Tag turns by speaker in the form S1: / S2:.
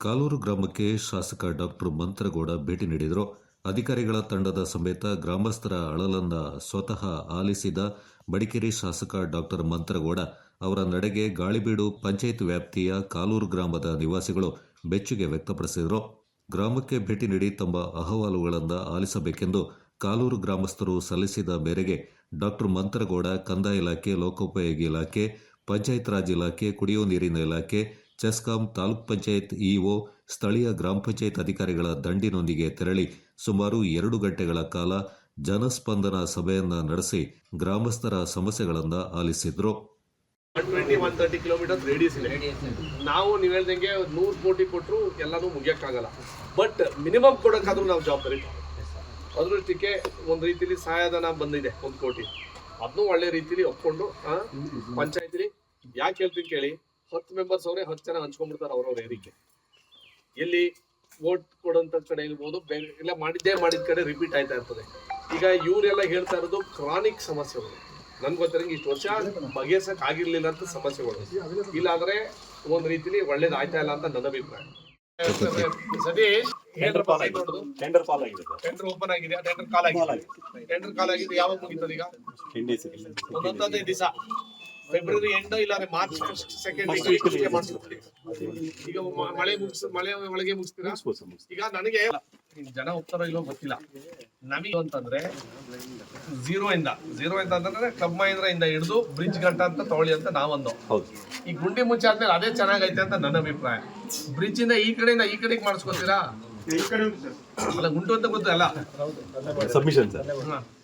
S1: ಕಾಲೂರು ಗ್ರಾಮಕ್ಕೆ ಶಾಸಕ ಡಾಕ್ಟರ್ ಮಂತ್ರಗೌಡ ಭೇಟಿ ನೀಡಿದರು. ಅಧಿಕಾರಿಗಳ ತಂಡದ ಸಮೇತ ಗ್ರಾಮಸ್ಥರ ಅಳಲನ್ನ ಸ್ವತಃ ಆಲಿಸಿದ ಮಡಿಕೇರಿ ಶಾಸಕ ಡಾಕ್ಟರ್ ಮಂತ್ರಗೌಡ ಅವರ ನಡೆಗೆ ಗಾಳಿಬೀಡು ಪಂಚಾಯತ್ ವ್ಯಾಪ್ತಿಯ ಕಾಲೂರು ಗ್ರಾಮದ ನಿವಾಸಿಗಳು ಬೆಚ್ಚುಗೆ ವ್ಯಕ್ತಪಡಿಸಿದರು. ಗ್ರಾಮಕ್ಕೆ ಭೇಟಿ ನೀಡಿ ತಮ್ಮ ಅಹವಾಲುಗಳನ್ನು ಆಲಿಸಬೇಕೆಂದು ಕಾಲೂರು ಗ್ರಾಮಸ್ಥರು ಸಲ್ಲಿಸಿದ ಮೇರೆಗೆ ಡಾಕ್ಟರ್ ಮಂತ್ರಗೌಡ ಕಂದಾಯ ಇಲಾಖೆ, ಲೋಕೋಪಯೋಗಿ ಇಲಾಖೆ, ಪಂಚಾಯತ್ ರಾಜ್ ಇಲಾಖೆ, ಕುಡಿಯುವ ನೀರಿನ ಇಲಾಖೆ, ಚೆಸ್ಕಾಂ, ತಾಲೂಕ್ ಪಂಚಾಯತ್ ಇಒ, ಸ್ಥಳೀಯ ಗ್ರಾಮ ಪಂಚಾಯತ್ ಅಧಿಕಾರಿಗಳ ದಂಡಿನೊಂದಿಗೆ ತೆರಳಿ ಸುಮಾರು 2 ಗಂಟೆಗಳ ಕಾಲ ಜನಸ್ಪಂದನ ಸಭೆಯನ್ನ ನಡೆಸಿ ಗ್ರಾಮಸ್ಥರ ಸಮಸ್ಯೆಗಳನ್ನು ಆಲಿಸಿದ್ರು.
S2: 120-130 ಕಿಲೋಮೀಟರ್ ರೇಡಿಯಸ್ ಇದೆ. ನಾವು ನೀವು ಹೇಳ್ದಂಗೆ 100 ಕೋಟಿ ಕೊಟ್ಟರು ಎಲ್ಲಾನು ಮುಗಿಯಕ್ಕಾಗಲ್ಲ. ಬಟ್ ಮಿನಿಮಮ್ ಕೊಡೋಕ್ಕಾದ್ರೂ ನಾವು ಜವಾಬ್ದಾರಿ ಅದೃಷ್ಟಕ್ಕೆ ಒಂದು ರೀತಿಲಿ ಸಹಾಯಧನ ಬಂದಿದೆ 1 ಕೋಟಿ. ಅದನ್ನು ಒಳ್ಳೆ ರೀತಿಲಿ ಒಪ್ಕೊಂಡು ಪಂಚಾಯತ್ಲಿ ಯಾಕೆ ಹೇಳ್ತೀನಿ ಕೇಳಿ, 10 ಮೆಂಬರ್ಸ್ ಅವರೇ 10 ಜನ ಹಂಚ್ಕೊಂಡ್ಬಿಡ್ತಾರೆ ಅವ್ರವ್ರ ಏರಿಕೆ. ಎಲ್ಲಿ ವೋಟ್ ಕೊಡೋಂಥ ಕಡೆ ಇರ್ಬೋದು, ಎಲ್ಲ ಮಾಡಿದ ಕಡೆ ರಿಪೀಟ್ ಆಯ್ತಾ ಇರ್ತದೆ. ಈಗ ಇವರೆಲ್ಲ ಹೇಳ್ತಾ ಇರೋದು ಕ್ರಾನಿಕ್ ಸಮಸ್ಯೆಗಳು. ನನ್ಗೆ ಗೊತ್ತಿರಂಗೆ ಇಷ್ಟು ವರ್ಷ ಬಗೆಹರ್ಸಕ್ ಆಗಿರ್ಲಿಲ್ಲ ಅಂತ ಸಮಸ್ಯೆಗಳು. ಇಲ್ಲಾಂದ್ರೆ ಒಂದ್ ರೀತಿಲಿ ಒಳ್ಳೇದು ಆಯ್ತಾ ಇಲ್ಲ ಅಂತ ನನ್ನ ಅಭಿಪ್ರಾಯ. ಸತೀಶ್, ಟೆಂಡರ್ ಓಪನ್ ಆಗಿದೆ, ಟೆಂಡರ್ ಕಾಲ್ ಆಗಿದೆ. ಯಾವಾಗ ಮುಗಿತದೆ? ಈಗ 15 ದಿವಸ, ಫೆಬ್ರವರಿ ಎಂಡ್ ಇಲ್ಲ ಮಾರ್ಚ್ 2nd ಮಾಡಿಸ್ತೀವಿ. ಈಗ ಮಳೆ ಒಳಗೆ ಮುಗಿಸ್ತೀರಾ? ಈಗ ನನಗೆ ಜನ ಹೋಗ್ತಾರೋ ಇಲ್ಲೋ ಗೊತ್ತಿಲ್ಲ. ನಮಗೆ ಅಂತಂದ್ರೆ ಝೀರೋ ಇಂದ ಅಂತಂದ್ರೆ ಕ್ಲಬ್ ಮಹೇಂದ್ರ ಇಂದ ಹಿಡಿದು ಬ್ರಿಡ್ಜ್ ಗಂಟ ಅಂತ ತಗೊಳ್ಳಿ ಅಂತ ನಾವೊಂದು. ಈ ಗುಂಡಿ ಮುಂಚೆ ಆದ್ಮೇಲೆ ಅದೇ ಚೆನ್ನಾಗೈತೆ ಅಂತ ನನ್ನ ಅಭಿಪ್ರಾಯ. ಬ್ರಿಡ್ಜ್ ಇಂದ ಈ ಕಡೆಯಿಂದ ಈ ಕಡೆಗೆ ಮಾಡಿಸ್ಕೊತೀರಾ? ಅಲ್ಲ, ಗುಂಟು ಅಂತ ಗೊತ್ತಲ್ಲ, ಸಬ್ಮಿಷನ್.